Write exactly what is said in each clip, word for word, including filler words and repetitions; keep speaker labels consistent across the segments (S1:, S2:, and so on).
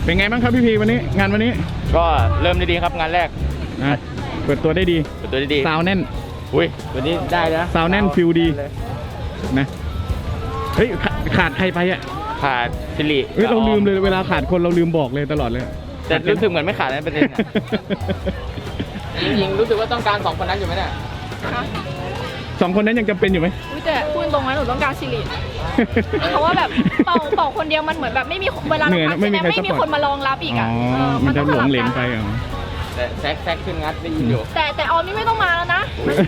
S1: เป็นไงบ้างครับพี่พีวันนี้งานวันนี้
S2: ก็เริ่มได้ดีครับงานแรก
S1: นะเปิดตัวได้ดี
S2: เปิดตัวได้ดี
S1: ซาวแน่น
S2: อุ้ยวันนี้ได้นะ
S1: ซาวแน่นฟิลดีนะเฮ้ยขาดใครไปอ่ะ
S2: ขาดสิริ
S1: เฮ้ยเราลืมเลยเวลาขาดคนเราลืมบอกเลยตลอดเลย
S2: แต่รู้สึกเหมือนไม่ขาดนะประเด็นจริงๆรู้สึกว่าต้องการสองคนนั้นอยู่ไหมเนี่ย
S1: สองคนนั้นยังจำเป็นอยู่ไหม
S3: อุ้ยแต่พูดตรงนั้นหนูต้องการสิริเพราะว่าแบบเป่าเป่าคนเดียวมันเหมือนแบบไม่มีเวลาเราพักไม่มีไม่มีคนมารองรับอีกอ่ะ
S1: มันจะหลงเหลงไปอ่ะ
S2: แต่แซกแซกขึ้นงัดได้ยินอยู่
S3: แต่แต่ออมนี่ไม่ต้องมาแล้วนะ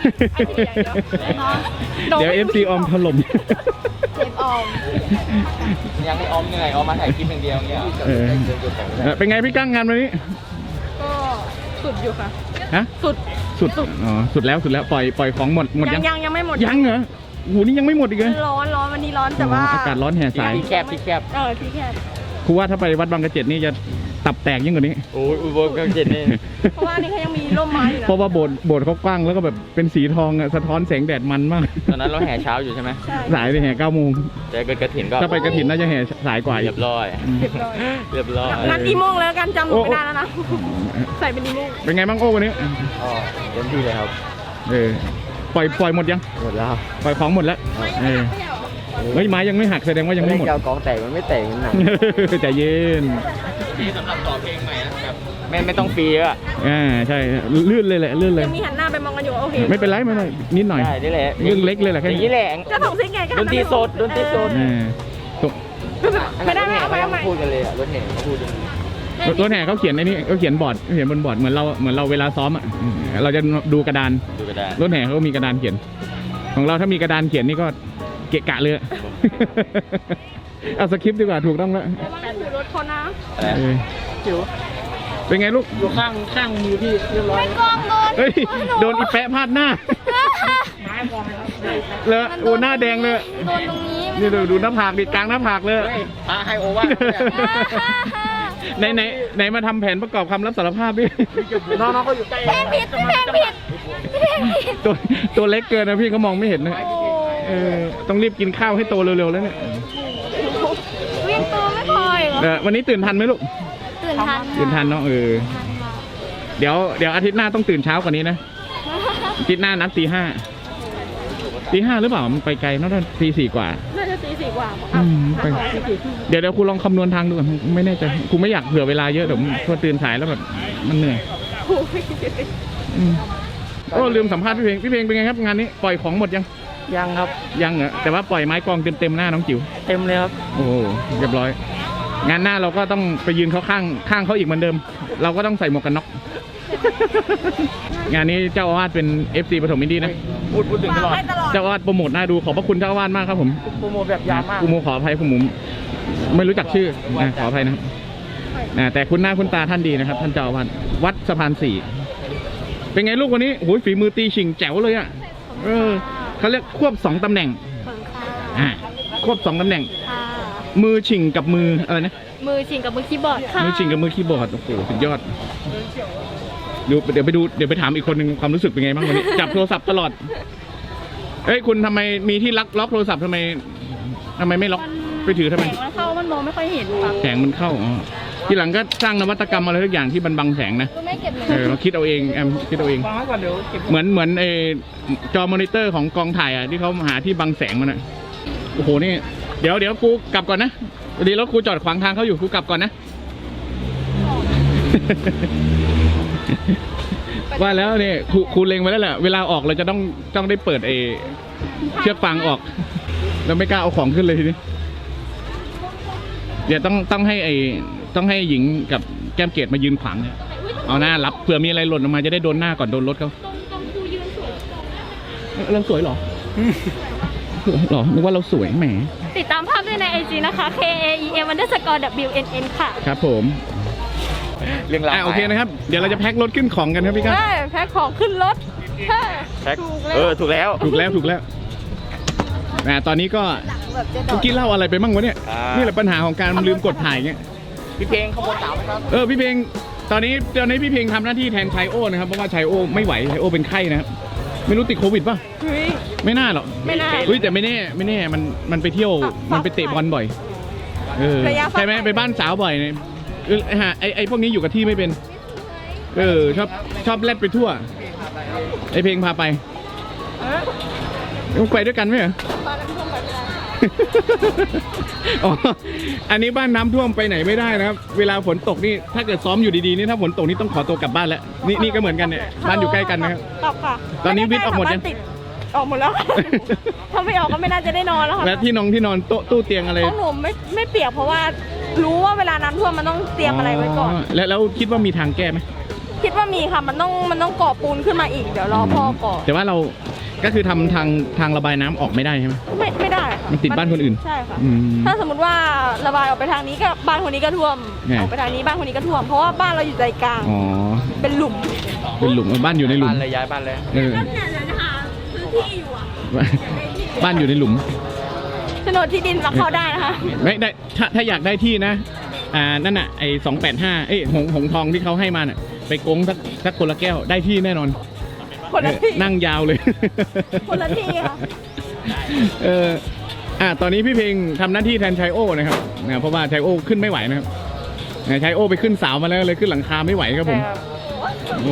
S1: เดี๋ยวเอฟซีออมถล่ม
S3: เอฟออม
S2: ยังไม่ออมเหนื่อยออมมาถ่ายคลิปอย่างเดียวเนี่ย
S1: เป็นไงพี่กั้งงานวันนี้
S3: ก็สุดอยู่ค่ะ
S1: ฮะ
S3: สุด
S1: สุดอ๋อสุดแล้วสุดแล้วปล่อยปล่อยของหมดหมด
S3: ยังยังยังไม่หมด
S1: ยังเหรอโหนี่ยังไม่หมดอีกเลย
S3: ร้อนร้อนวันนี้ร้อนแต่ว่า
S1: อากาศร้อนแห่สาย
S2: ที่แคบที่แคบ
S3: เออที่แคบ
S1: ครูว่าถ้าไปวัดบางกระเจ็ดนี่จะตับแตกยิ่งกว่านี้
S2: โอ้ยอุโบสถบางกระเจ็ดนี่
S3: เพราะว่านี่เขายังมีร่มไม้อยู่นะ
S1: เพราะว่าโบสถ์โบสถ์เขากว้างแล้วก็แบบเป็นสีทองอะสะท้อนแสงแดดมันมาก
S2: ตอนนั้นเราแห่เช้าอยู่ใช่ไหม
S1: สายไปแห่เก้าโมง
S2: แต่เกิดกระถินก็
S1: ถ้าไปกระถินน่าจะแห่สายกว่า
S2: เรียบร้อยเรียบร้อย
S3: นัดอีโมงแล้วกันจำไม่ได้แล้วนะใส่เป็นอีโมง
S1: เป็นไงบ้างโอ้วันนี้
S2: อ๋อเต็มที่เลยครับ
S1: เออปล่อยปล่อยหมดยัง
S2: หมดแล้ว
S1: ปล่อยของหมดแล้วเออเฮ้ยไม้ยังไม่หักแสดงว่ายังไม่หมด
S2: กองแตกมันไม่แตกมันหนัก
S1: ใจเย็น
S2: ดีสำหรับต่อเพลงใหม่นะครับไม่ไม่ต้องฟรีอ่ะ
S1: อ่าใช่ลื่นเลยแหละลื่นเลย
S3: มีหันหน้าไปมองกันอยู่โอเค
S1: ไม่เป็นไรไม่เป็นไรนิดหน่อย
S2: ได้ได้แหละ
S1: เรื่องเล็กเลยแหละแค่
S2: นี้แหละ
S3: ก็ส่งซิกไง
S2: ดนตรีสดดนตรีสด
S3: ไม่ได้ไม่เอาไปเอาไป
S2: พูดกันเลยอ่ะรถแห่เขาพูด
S1: รถแห่เขาเขียนในนี้เขาเขียนบอร์ดเขียนบนบอร์ดเหมือนเราเหมือนเราเวลาซ้อมอ่ะเราจะดูกระดานรถแห่เขามีกระดานเขียนของเราถ้ามีกระดานเขียนนี่ก็เกะกะเลยเอาสคริปต์ดีกว่าถูกต้องแล้ว
S3: รถคนนะ
S1: จิ๋วเป็นไงลูก
S2: อยู่ข้างข้างมือพี่เรียบร้อย
S3: ไม่กล้องโดน
S1: เฮ้ยโดนอีแปะพาดหน้าเลยโอ้หน้าแดงเลย
S3: โดนตรงนี้
S1: นี่ดูดูหน้าผากดิกลางหน้าผากเลย
S2: พาให้โอว่า
S1: ไหนไหนไหนมาทำแผนประกอบคำรับสารภาพดิ
S2: น้องๆเขาอยู่ใกล้
S3: แพงผิดแพงผิด
S1: ตัวตัวเล็กเกินนะพี่เขามองไม่เห็นนะเออต้องรีบกินข้าวให้โตเร็วๆแล้วเนี่ย
S3: วิ่งตัวไม่พอเหรอ
S1: วันนี้ตื่นทันไหมลูก
S3: ตื่นทัน
S1: ตื่นทันเนาะเออเดี๋ยวเดี๋ยวอาทิตย์หน้าต้องตื่นเช้ากว่านี้นะอาทิตย์หน้านัดตีห้าตีห้าหรือเปล่ามันไปไกลน่าจะตีสี่กว่า
S3: น่าจะตีสี่กว่า
S1: เดี๋ยวเดี๋ยวครูลองคำนวณทางดูก่อนไม่แน่ใจครูไม่อยากเผื่อเวลาเยอะเดี๋ยวพอตื่นสายแล้วแบบมันเหนื่อยโอ้ลืมสัมภาษณ์พี่เพลงพี่เพลงเป็นไงครับงานนี้ปล่อยของหมดยัง
S2: ยังครับ
S1: ยังเหรอแต่ว่าปล่อยไม้กองเต็มเต็มหน้าน้องจิ๋ว
S2: เต็มเลยครับ
S1: โอ้เรียบร้อยงานหน้าเราก็ต้องไปยืนเขาข้างข้างเขาอีกเหมือนเดิมเราก็ต้องใส่หมวกกันน็อกงานนี้เจ้าอาวาสเป็น เอฟ ซี ปฐมอินดี้นะ
S2: พูดพูดถึงตลอด
S1: เจ้าอาวาสโปรโมทน่าดูขอบพระคุณเจ้าอาวาสมากครับผม
S2: โปรโมทแบบยาวมาก
S1: กูโมขออภัยคุณหมุมไม่รู้จักชื่อนะขออภัยนะครับนะแต่คุณหน้าคุณตาท่านดีนะครับท่านเจ้าอาวาสวัดสะพานสี่เป็นไงลูกวันนี้โอ้ยฝีมือตีชิงแจ๋วเลยอ่ะเออเขาเรียกควบสองตำแหน่งอ่าควบสองตำแหน่งมือชิงกับมืออะไรนะ
S3: มือชิงกับมือคีย์บอร์ดค่ะ
S1: มือชิงกับมือคีย์บอร์ดโอ้โหสุดยอดดูเดี๋ยวไปดูเดี๋ยวไปถามอีกคนหนึ่งความรู้สึกเป็นไงบ้างวันนี้จับโทรศัพท์ตลอดเอ้ยคุณทำไมมีที่ล็อกล็อกโทรศัพท์ทำไมทำไมไม่ล็อกไปถือทำไม
S3: แสงมันเข้ามันมองไม่ค่อยเห็นค่ะ
S1: แสงมันเข้าอ๋อทีหลังก็สร้างนวัตกรรมอะไรทุกอย่างที่มันบังแสงนะเออเราคิดเอาเองแอมคิดเอาเองเหมือนเหมือนไอจอมอนิเตอร์ของกองถ่ายอ่ะที่เขาหาที่บังแสงมันอ่ะโอ้โหนี่เดี๋ยวเดี๋ยวกูกลับก่อนนะดีแล้วกูจอดขวางทางเขาอยู่กูกลับก่อนนะว่าแล้วเนี่ยครูครูเล็งไว้แล้วแหละเวลาออกเราจะต้องต้องได้เปิดไอเชือกฟางออกเราไม่กล้าเอาของขึ้นเลยทีนี้เดี๋ยวต้องต้องให้ไอต้องให้หญิงกับแก้มเกตมายืนขวางเนี่ยเอาหน้ารับเผื่อมีอะไรหล่นออกมาจะได้โดนหน้าก่อนโดนรถเขาเราสวยหรอหรอนึกว่าเราสวยแหม
S3: ติดตามภาพด้วยในไอจีนะคะ K A E M underscore W N N ค่ะ
S1: ครับผมเรื่องราวโอเคนะครับเดี๋ยวเราจะแพ็ครถขึ้นของกันครับพี่ครับ
S3: แพ็คของขึ้นรถ
S2: แพ็คเออถูกแล้ว
S1: ถูกแล้วถูกแล้วนะตอนนี้ก็เมื่อกี้เล่าอะไรไปบ้างวะเนี่ยนี่แหละปัญหาของการลืมกดถ่ายเงี้ย
S2: พี่เพลงขโมยสาวไหมครับ
S1: เออพี่เพลงตอนนี้ตอนนี้พี่เพลงทำหน้าที่แทนชัยโอนะครับเพราะว่าชัยโอไม่ไหวชัยโอเป็นไข้นะครับไม่รู้ติดโควิดป่ะไม่น่าหรอก
S3: ไม่น่า
S1: เฮ้ยแต่ไม่แน่ไม่แน่มันมันไปเที่ยวมันไปเตะบอลบ่อยเออใช่ไหมไปบ้านสาวบ่อยเนี่ยเออฮะไอไอพวกนี้อยู่กับที่ไม่เป็น เออชอบชอบแลดไปทั่ว ไอเพลงพาไปต้องไปด้วยกันไหมเหรอ
S3: บ้านน้ำท่วมไปไม่ได้
S1: อ๋อ อันนี้บ้านน้ำท่วมไปไหนไม่ได้นะครับ เวลาฝนตกนี่ถ้าเกิดซ้อมอยู่ดีๆนี่ถ้าฝนตกนี่ต้องขอตัวกลับบ้านแล้ว นี่นี่ก็เหมือนกันเนี่ยบ้านอยู่ใกล้กันนะครับ
S3: กลับค่ะ
S1: ตอนนี้วิทย์ออกหมดยัง
S3: บ้านติออกหมดแล้ว ถ้าไม่ออกก็ไม่น่าจะได้นอนแล้วค่ะ
S1: และที่นอนที่นอนโต๊ะตู้เตียงอะไร
S3: ของหนูไม่ไม่เปียกเพราะว่ารู้ว่าเวลาน้ำท่วมมันต้องเตรียมอะไรไว้ก่อน
S1: แล้วแล้วคิดว่ามีทางแก้ไหม
S3: คิดว่ามีค่ะมันต้องมันต้องก่อปูนขึ้นมาอีกเดี๋ยวรอพ่อก่อ
S1: แต่ว่าเราก็คือทำทางทางระบายน้ำออกไม่ได้ใช่ไหม
S3: ไม่ไม่ได้
S1: มันติดบ้านคนอื่น
S3: ใช่ค่ะ
S1: อืม
S3: ถ้าสมมติว่าระบายออกไปทางนี้ก็บ้านคนนี้ก็ท่วม
S1: ไง
S3: ออกไปทางนี้บ้านคนนี้ก็ท่วมเพราะว่าบ้านเราอยู่ใจกลาง
S1: อ๋อ
S3: เป็นหลุม
S1: เป็นหลุมบ้านอยู่ในหลุม
S2: บ้านเลยย้ายบ้านเลย
S1: เออ
S3: เนี่ยเลยนะคะพื้นที่อยู่อ่ะ
S1: บ้านอยู่ในหลุม
S3: โฉนดที่ดินมาเข้าได้นะคะ
S1: ไม่ได้ถ้าถ้าอยากได้ที่นะ อ่านั่นน่ะไอ้สองแปดห้าเอ้ยหงหงทองที่เขาให้มาน่ะไปโกงสักสักคนละแก้วได้ที่แน่นอน
S3: คนละที่
S1: เออนั่งยาวเลย
S3: คนละที่ค่ะ
S1: เอออ่าตอนนี้พี่เพลงทำหน้าที่แทนชายโอนะครับนะเพราะว่าชายโอขึ้นไม่ไหวนะครับนะชายโอไปขึ้นเสามาแล้วเลยขึ้นหลังคาไม่ไหวครับผม โอ้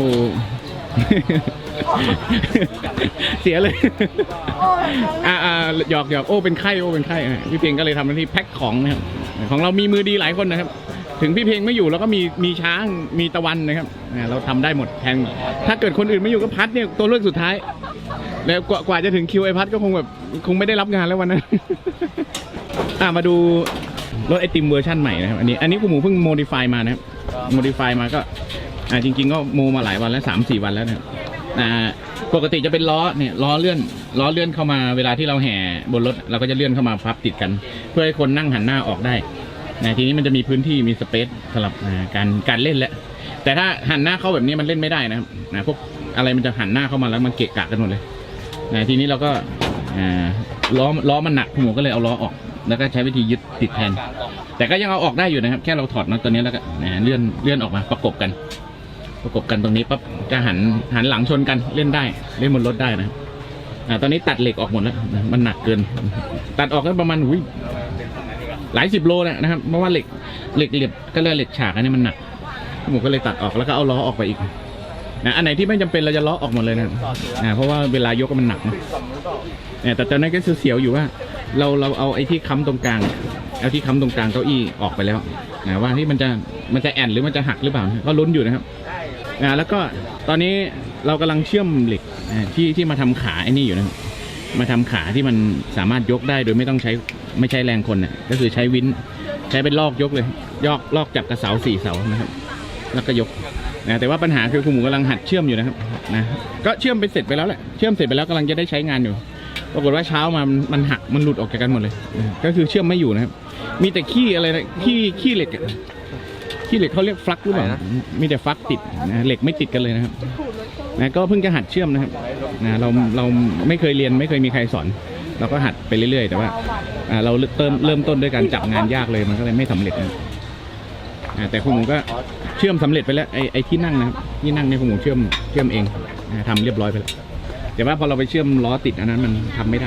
S1: เสียเลย อ่าอ่าหยอกหยอกโอ้เป็นไข้โอ้เป็นไข้อ่ะพี่เพลงก็เลยทำหน้าที่แพ็คของนะครับของเรามีมือดีหลายคนนะครับ ถึงพี่เพลงไม่อยู่เราก็มีมีช้างมีตะวันนะครับอ่าเราทำได้หมดแทนถ้าเกิดคนอื่นไม่อยู่ก็พัดเนี่ยตัวเลือกสุดท้าย แล้วกว่ากว่าจะถึงคิวไอพัดก็คงแบบคงไม่ได้รับงานแล้ววันนั้น อ่ามาดูรถไอติมเวอร์ชั่นใหม่นะครับอันนี้อันนี้คุณหมูเพิ่งโมดิฟายมานะครับโมดิฟายมาก็อ่าจริง ๆ ก็โมมาหลายวันแล้วสามสี่วันแล้วนะครับอ่าปกติจะเป็นล้อเนี่ยล้อเลื่อนล้อเลื่อนเข้ามาเวลาที่เราแห่บนรถเราก็จะเลื่อนเข้ามาพับติดกัน เพื่อให้คนนั่งหันหน้าออกได้นะทีนี้มันจะมีพื้นที่มีสเปซสำหรับอ่าการการเล่นแล้วแต่ถ้าหันหน้าเข้าแบบนี้มันเล่นไม่ได้นะครับนะพวกอะไรมันจะหันหน้าเข้ามาแล้วมันเกะกะกันหมดเลยนะทีนี้เราก็อ่าล้อล้อมันหนักคุณหมูก็เลยเอาล้อออกแล้วก็ใช้วิธียึดติดแทน แต่ก็ยังเอาออกได้อยู่นะครับแค่เราถอดน็อตตัวนี้แล้วก็นะเลื่อนเลื่อนออกมาประกบกัน ประกบกันตรงนี้ปั๊บจะหันหันหลังชนกันเล่นได้เล่นบนรถได้นะครับอ่าตอนนี้ตัดเหล็กออกหมดแล้วนะมันหนักเกิน ตัดออกก็ประมาณอุ้ยหลายสิบโลนะครับเพราะว่าเหล็กเหล็กเหล็กก็เลยเหล็กฉากอันนี้มันหนักผมก็เลยตัดออกแล้วก็เอาล้อออกไปอีกนะอันไหนที่ไม่จำเป็นเราจะล้อออกหมดเลยนะอ่าเพราะว่าเวลายกมันหนักนะเนี่ยแต่ตอนนั้นก็เสียวๆอยู่ว่า เราเราเอาไอ้ที่ค้ำตรงกลางเอาที่ค้ำตรงกลางเก้าอี้ออกไปแล้วนะว่าที่มันจะมันจะแอนหรือมันจะหักหรือเปล่าก็ลุ้นอยู่นะครับอ่าแล้วก็ตอนนี้เรากำลังเชื่อมเหล็กอ่าที่ที่มาทำขาไอ้นี่อยู่นะครับมาทำขาที่มันสามารถยกได้โดยไม่ต้องใช้ไม่ใช้แรงคนนะก็คือใช้วินใช้เป็นลอกยกเลยยอกลอกจับกระเสาสี่เสานะครับแล้วก็ยกนะแต่ว่าปัญหาคือคุณหมูกำลังหัดเชื่อมอยู่นะครับนะก็เชื่อมไปเสร็จไปแล้วแหละเชื่อมเสร็จไปแล้วกำลังจะได้ใช้งานอยู่ปรากฏว่าเช้ามามันหักมันหลุดออกจากกันหมดเลยนะก็คือเชื่อมไม่อยู่นะครับมีแต่ขี้อะไรนะขี้ขี้เหล็กอะขี้เหล็กเขาเรียกฟลักหรือเปล่ามีแต่ฟลักติดนะเหล็กไม่ติดกันเลยนะครับนะก็เพิ่งจะหัดเชื่อมนะครับนะเราเราไม่เคยเรียนไม่เคยมีใครสอนเราก็หัดไปเรื่อยๆแต่ว่าอ่าเราเริ่มเริ่มต้นด้วยการจับงานยากเลยมันก็เลยไม่สำเร็จนะอ่าแต่คุณหมูก็เชื่อมสำเร็จไปแล้วไอ้ไอ้ที่นั่งนะครับที่นั่งเนี่ยคุณหมูเชื่อมเชื่อมเองนะทำเรียบร้อยไปแล้วแต่ว่าพอเราไปเชื่อมล้อติดอันนั้นมันทำไม่ได้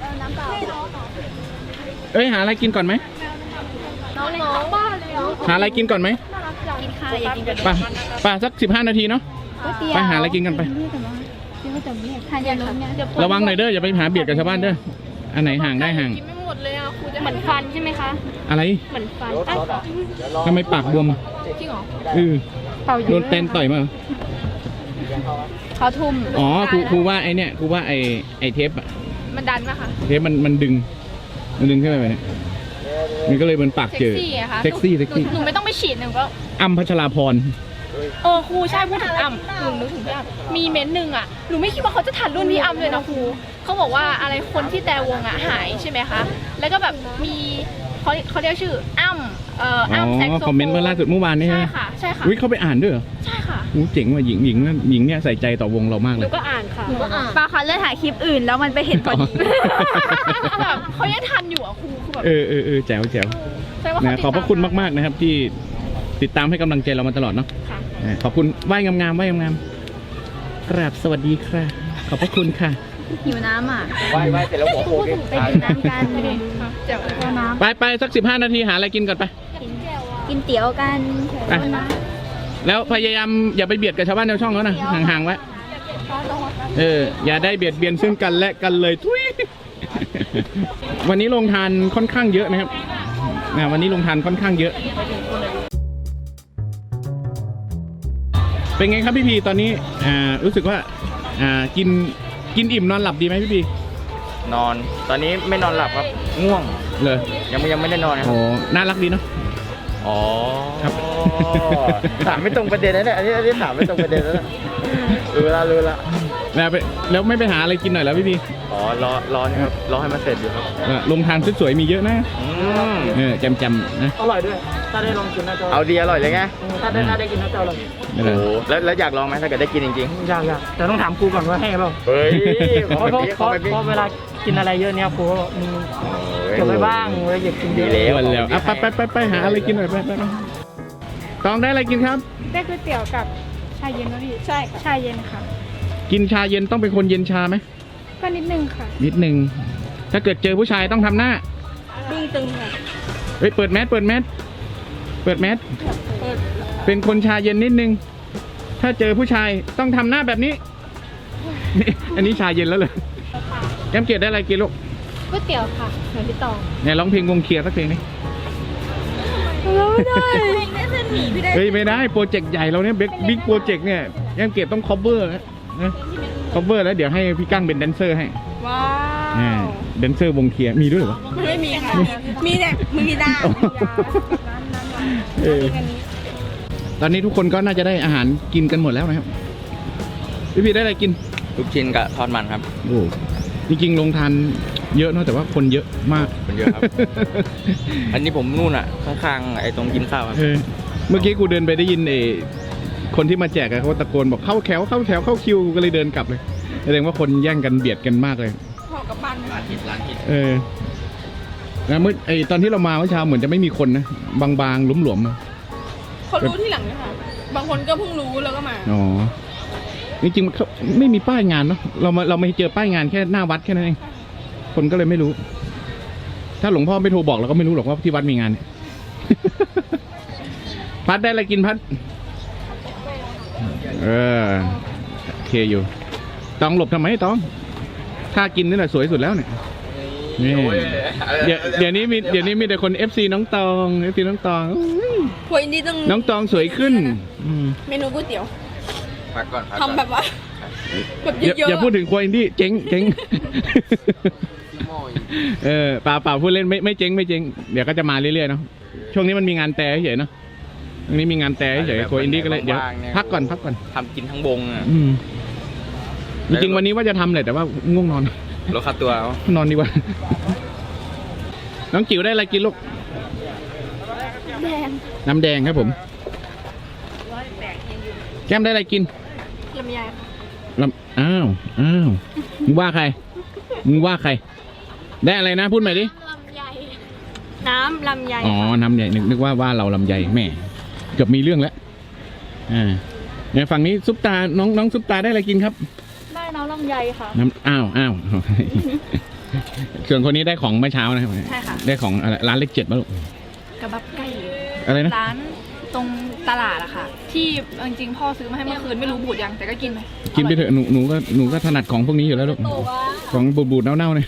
S1: เอ้ยหาอะไรกินก่อนไหม
S3: น้องๆบ้านเลยเหรอ
S1: หาอะไรกินก่อนไหม
S3: กินข้าวอยากกินกัน
S1: ไป่ะป่ะสักสิบห้านาทีเนาะไปหาอะไรกินกันไป
S3: ทานยาลดเนี่ย
S1: ระวังหน่อยเด้ออย่าไปหาเบียดกับชาวบ้านเด้ออันไหนห่างได้ห่าง
S3: กินไม่หมดเลยอ่ะครูจะเหมือนฟันใช่ไหมคะ
S1: อะไร
S3: เหมือนฟัน
S1: ทำไมปากบวม
S3: จริงเหรอ
S1: เออ
S3: เป่า
S1: โดนเตนต่อยมาเหรอ
S3: เขาทุ่ม
S1: อ๋อครูครูว่าไอเนี่ยครูว่าไอไอเทปอะ
S3: มันดันปะคะ
S1: เทปมันมันดึงมันดึงขึ้นไปแบบนี้มันก็เลยมันปาก
S3: เซ็ก
S1: เจอ
S3: ซี่อะคะ
S1: เซ็กซี่เซ็กซี่
S3: หนูไม่ต้องไปฉีดหนูก็
S1: อ้ำพัชราพร
S3: เออครูใช่พูดถึงอ้ำหนูนึกถึงพี่อ้ำมีเม้นต์หนึ่งอ่ะหนูไม่คิดว่าเขาจะทันรุ่นพี่อ้ำเลยนะครูเขาบอกว่าอะไรคนที่แต่วงอ่ะหายใช่ไหมคะแล้วก็แบบมีเขาเขาเรียกชื่ออ้ำเอ่อ
S1: อ๋
S3: อ้ำแซก
S1: อ
S3: โซโฟน
S1: คอมเมนต์เมื่อล่าสุดเมื่อวานนี้
S3: ใช่
S1: ฮะ
S3: ค่ะใช่ค่ะ
S1: อุ้ยเข้าไปอ่านด้วยเหรอ
S3: ใช่ค่ะ
S1: โอ้เจ๋งว่ะหญิงหญิงหญิงเนี่ยใส่ใจต่อวงเรามาก
S3: ห
S1: เล
S3: นู
S1: ย
S3: ก็อ่านค่ะหนูก็อ่าน
S4: ปลาคะเลื่อนถ่ายคลิปอื่นแล้วมันไปเห็นพอดี
S3: แบบเขายังทันอยู่อ่ะครูคือแบบ
S1: เออเออเออแจ๋วแจ๋ว
S3: แสดงว่า
S1: นะ
S3: เขาติด
S1: ขอบพระคุณมากๆนะครับ ที่ติดตามให้กำลังใจเรามาตลอดเนาะ
S3: ค่ะ
S1: อ่าขอบคุณไหว้งามๆไหว้งามๆกราบสวัสดีค่ะขอบพระคุณค่ะ
S4: หิวน้ำอ่ะ
S2: ไหว้ไหว้เสร็จแล้วหัวโขก
S4: ไปกินน้ำกัน
S3: เจ๋ว
S4: เอาน้
S1: ไปไปสักสิบห้านาทีหาอะไรกินก่อนไป
S4: ำกินเตี๋ยวกัน
S1: อ่ะ แล้วพยายามอย่าไปเบียดกับชาวบ้านชาวช่องเขานะห่างๆไว้เอออย่าได้เบียดเบียนซึ่งกันและกันเลยทุย วันนี้ลงทานค่อนข้างเยอะนะครับนะวันนี้ลงทานค่อนข้างเยอะ เป็นไงครับพี่พีตอนนี้อ่ารู้สึกว่าอ่ากินกินอิ่มนอนหลับดีไหมพี่พี
S2: นอน ตอนนี้ไม่นอนหลับครับ ง่วง
S1: เลย
S2: ยังไม่ยังไม่ได้นอนนะค
S1: โอ้
S2: รับ
S1: น่ารักดีเนาะ
S2: อ๋อ
S1: ครับ
S2: ถามไม่ตรงประเด็นนะเนี่ยอันนี้อันนี้ถามไม่ตรงประเด็นแล้วนะรู้ละรู้ละ
S1: แล้วไปแล้วไม่ไปหาอะไรกินหน่อยแล้วพี่พี
S2: อ๋อรอรอนี่ครับรอให้มันเสร็จอยู่ครับ
S1: เออลงทานสวยๆมีเยอะนะ
S2: อืม
S1: เออจำๆนะ
S5: อร่อยด้วย ถ้าได้ลองกินน่าจะ
S2: เอาดีอร่อยเลยไง
S5: ถ้าได้ถ้าได้กินน่าจะอร่อย
S1: ไม่
S2: โอ้
S1: เป็น
S2: โห
S1: ไร
S2: แล้วแล้วอยากลองไหมถ้าเกิดได้กินจริง
S5: ยากยากแต่ต้องถามครูก่อนว่าให้เปล่า
S2: ๆเฮ้ย
S5: เพราะเพราะเพราะเพราะเวลากินอะไรเยอะเนี่ยครูก็บอกมีเก็บไว้บ้างเวลาอยากกินเย
S2: ดี
S5: อะ
S2: แล้ว
S1: อ้วนแล้วอ่ะไปไปไปไปหาอะไรกินหน่อยไปไปไปตองได้อะไรกินครับ
S3: ได้ก๋วยเตี๋ยวกับชาเย็นนะพี่ ใช่ค่ะ ชาเย็นค่ะ
S1: กินชาเย็นต้องเป็นคนเย็นชาไหม
S3: ก็นิดนึงค่ะ
S1: นิดหนึ่งถ้าเกิดเจอผู้ชายต้องทำหน้า
S3: ดึงตึงค่ะ
S1: เฮ้ยเปิดแมสเปิดแมสเปิดแมสเป็นคนชาเย็นนิดนึง ถ้าเจอผู้ชายต้องทำหน้าแบบนี้นี่อันนี้ชาเย็นแล้วเลยแก้มเกลียดได้อะไรกินลูก
S3: ก๋วยเตี๋ยวค่ะเหมือนพี่ตอง
S1: เนี่ยร้องเพลงวงเคลียร์สักเพลงนี้
S3: ไม่ได้
S1: เฮ้ยไม่ได้โปรเจกต์ใหญ่เราเนี่ยบิ๊กบิ๊กโปรเจกต์เนี่ยแก้มเกลียดต้อง cover นะนะ cover แล้วเดี๋ยวให้พี่กั้งเป็นแดนเซอร์ให้
S3: ว้า
S1: อ่าแดนเซอร์วงเคลียร์มีด้วยเหรอวะ
S3: ไม่มีค่ะ มีแต่มือกีตาร์
S1: เออตอนนี้ทุกคนก็น่าจะได้อาหารกินกันหมดแล้วนะครับพี่พีได้อะไรกิน
S2: ลูกชิ้นกับทอดมันครับ
S1: โอ้จริงๆลงทานเยอะเนอะแต่ว่าคนเยอะมาก
S2: คนเยอะครับ อันนี้ผมนู่นอ่ะข้างๆไอ้ตรงกินข้าวครับ
S1: เออเมื่อกี้กูเดินไปได้ยินเออคนที่มาแจกอะเขาตะโกนบอกเข้าแถวเข้าแถวเข้าคิวกูก็เลยเดินกลับเลยแสดงว่าคนแย่งกันเบียดกันมากเลย
S3: พอกับบ้าน
S2: ร้านคิดร้านคิด
S1: เออแล้วเมื่อไอตอนที่เรามาเมื่อเช้าเหมือนจะไม่มีคนนะบางๆหลวมๆมา
S3: เขารู้ที่หลังเลยค่ะ บางคนก็เพิ่งรู้แล้วก็มา
S1: อ๋อจริงๆมันเขาไม่มีป้ายงานเนาะเรามาเราไม่เจอป้ายงานแค่หน้าวัดแค่นั้นเองคนก็เลยไม่รู้ ถ้าหลวงพ่อไม่โทรบอกเราก็ไม่รู้หรอกว่าที่วัดมีงานเนี่ย พัดได้อะไรกินพัด เออโอเคอยู่ต้องหลบทำไมต้องถ้ากินนี่แหละสวยสุดแล้วเนี่ยนี่เดี๋ยวเดี๋ยวนี้มีเดี๋ยวนี้มีแต่คน เอฟ ซี น้องตอง เอฟ ซี น้องตองอุ๊ย
S3: พวยนี่ต้อง
S1: น้องตองสวยขึ้นอืม
S3: เมนูก๋วยเตี๋ยว
S2: พักก่อนพักก่อน
S3: ทำแบบว่า แบบ
S1: อย่า
S3: เยอะ
S1: อย่าพูดถึงครัวอินดี้เจ๊งเจ๊ง เออเปล่าเปล่าพูดเล่นไม่ไม่เจ๊งไม่เจ๊งเดี๋ยวก็จะมาเรื่อยๆเนาะช่วงนี้มันมีงานแต่เฉยๆเนาะช่วงนี้มีงานแต่เฉยๆครัวอินดี้ก็เลยเดี๋ยวพักก่อนพักก่อน
S2: ทำกินทั้งวงอ่ะ
S1: อืมจริงๆวันนี้ว่าจะทำแหละแต่ว่าง่วงนอน
S2: ลดค่าตัวเอา
S1: นอนดีกว่า น้องจิ๋วได้อะไรกินลูก
S3: แดง
S1: น้ำแดงครับผม แก้มได้อะไรกิน
S3: ลำไย
S1: ลำอ้าวอ้าวมึงว่าใครมึงว่าใคร ได้อะไรนะพูดใหม่ดิ
S3: ลำไย น้ำลำไย
S1: อ๋อน้ำใหญ่นึกนึกว่าว่าเราลำใหญ่แม่เกือบมีเรื่องแล้วอ่าเนี่ยฝั่งนี้ซุปตาน้องน้องซุปตาได้อะไรกินครับ
S3: ได้น้ำลำไยค่ะ
S1: น้ำอ้าวอ้าว ส่วนคนนี้ได้ของเมื่อเช้านะครับ
S3: ใช่ค่ะ
S1: ได้ของอะไรร้านเล็กเจ็ดมาลูก
S3: กระบับไก่
S1: อะไรนะ
S3: ร้านตรงตลาดอะค่ะ ที่จริงๆพ่อซื้อมาให้เมื่อคืนไม่รู้บูดยังแต่ก็กินไป
S1: กินไปเถอะหนูหนูก็หนูก็ถนัดของพวกนี้อยู่แล้วลูกของบูดบูดๆเน่าๆเนี่ย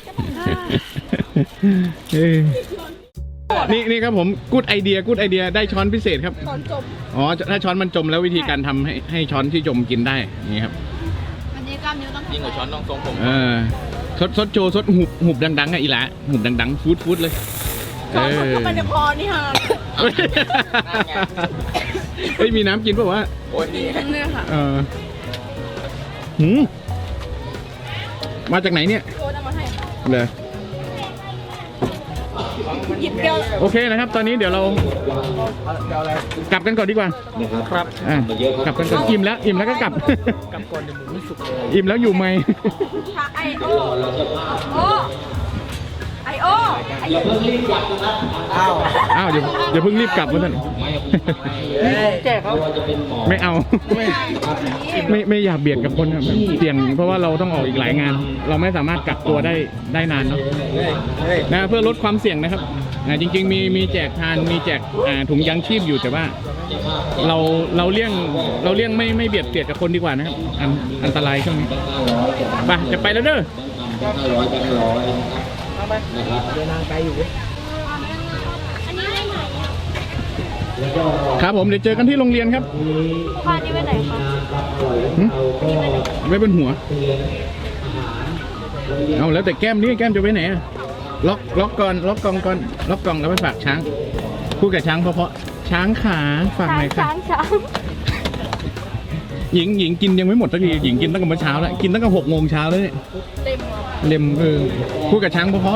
S1: เอ้ยนี่นี่ครับผมกูดไอเดียกูดไอเดียได้ช้อนพิเศษครับ
S3: ตอนจบ
S1: อ๋อถ้าช้อนมันจมแล้ววิธีการทำให้ให้ช้อนที่จมกินได้นี่ครับ
S3: วันนี้กล้ามเนื้อต้อง
S2: ยิ่งกว่าช้อนต้องทรงผม
S1: เออซดซดโชว์ซดหุบหุบดังๆอ่ะอีหละหุบดังๆฟูดฟูดเลยเออ
S3: เข้าไปในคอนี่ค่ะ
S1: เฮ้ยมีน้ำกินป่าววะ
S2: โอ้ยนี่
S3: เนี่ยค่ะ
S1: เออหืมมาจากไหนเนี่ย
S3: โดนเอามาให้
S1: เลย
S3: หยิบเดียว
S1: โอเคนะครับ ตอนนี้เดี๋ยวเรากลับกันก่อนดีกว่า
S5: ครับ
S1: อ่ะกลับกันก่อนอิ่มแล้วอิ่มแล้วก็กลับ
S5: กำก่อนเดี๋ยวหมูไม่สุกเลย
S1: อิ่มแล้วอยู่ไหม
S3: ไอโอโอไอโอ้
S2: อ้าว
S1: อ้าวเดี๋ยวเดี๋ยวเพิ่งรีบกลับวะท่าน
S5: แจกเขา
S1: ไม่เอา ไม่ไม่ไม่อยากเบียดกับคนครับเสี่ยงเพราะว่าเราต้องออกอีกหลายงาน เราไม่สามารถกักตัวได้ได้นานเนาะนะเพื่อลดความเสี่ยงนะครับอ่าจริง ๆ มีมีแจกทานมีแจกอ่าถุงยังชีพอยู่แต่ว่า เราเราเลี่ยงเราเลี่ยงไม่ไม่เบียดเบียดกับคนดีกว่านะครับอันอันตรายช่วงนี้ไปจะไปแล้วเด้อ ครับผมเดี๋ยวเจอกันที่โรงเรียนครับ
S3: พานี่ไปไหนคะ
S1: หึไว้บนหัว เอาแล้วแต่แก้มนี่แก้มจะไว้ไหนอะล็อกล็อกก่อนล็อกกล่องก่อนล็อกกล่องแล้วไปฝากช้างพูดกับช้างเพราะๆช้างขาฝากหน่อยค่ะ
S3: ช้างช้าง
S1: หญิงหญิงกินยังไม่หมดสักทีหญิงกินตั้งแต่เมื่อเช้าแล้วกินตั้งแต่หกโมงเช้าแล้วเนี่ย
S3: เต็ม
S1: เล็มเออพูดกับช้างเพราะ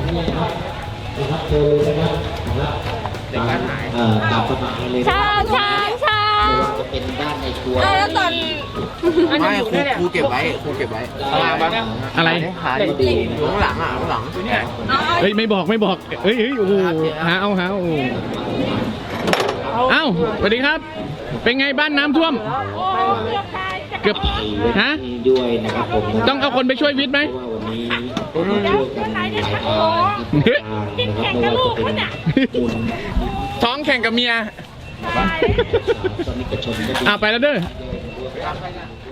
S2: เด็กบ้านหาย
S6: เอ่อตามสบายเลยนะ
S3: ช้างช้างช้าง
S6: ไม่ว่าจะเป็นด้านในครัว
S3: แล้วตอน
S2: ไม่ครูครูเก็บไว้ครูเก็บไว้ข้างล่างปะ
S1: ๆอะไร
S2: หาอยู่ดีอยู่ข้างหลังอ่ะข้างหลัง
S1: เฮ้ยไม่บอกไม่บอกเฮ้ยเฮ้ยโอ้โหหาเอาหาเอาเอ้าสวัสดีครับ เป็นไงบ้านน้ำท่วม เกือบฮะ
S6: ด้วยนะครับผม
S1: ต้องเอาคนไปช่วยวิทย์ไหม
S6: เพราะว่าวันนี้ช่วยกันหลายทางนะครับไม่ว่าจะเป็นบุญ
S1: ท้องแข่งกับเมีย
S6: สาธารณชนก็ดี
S1: อ่ะไปแล้วเด้อ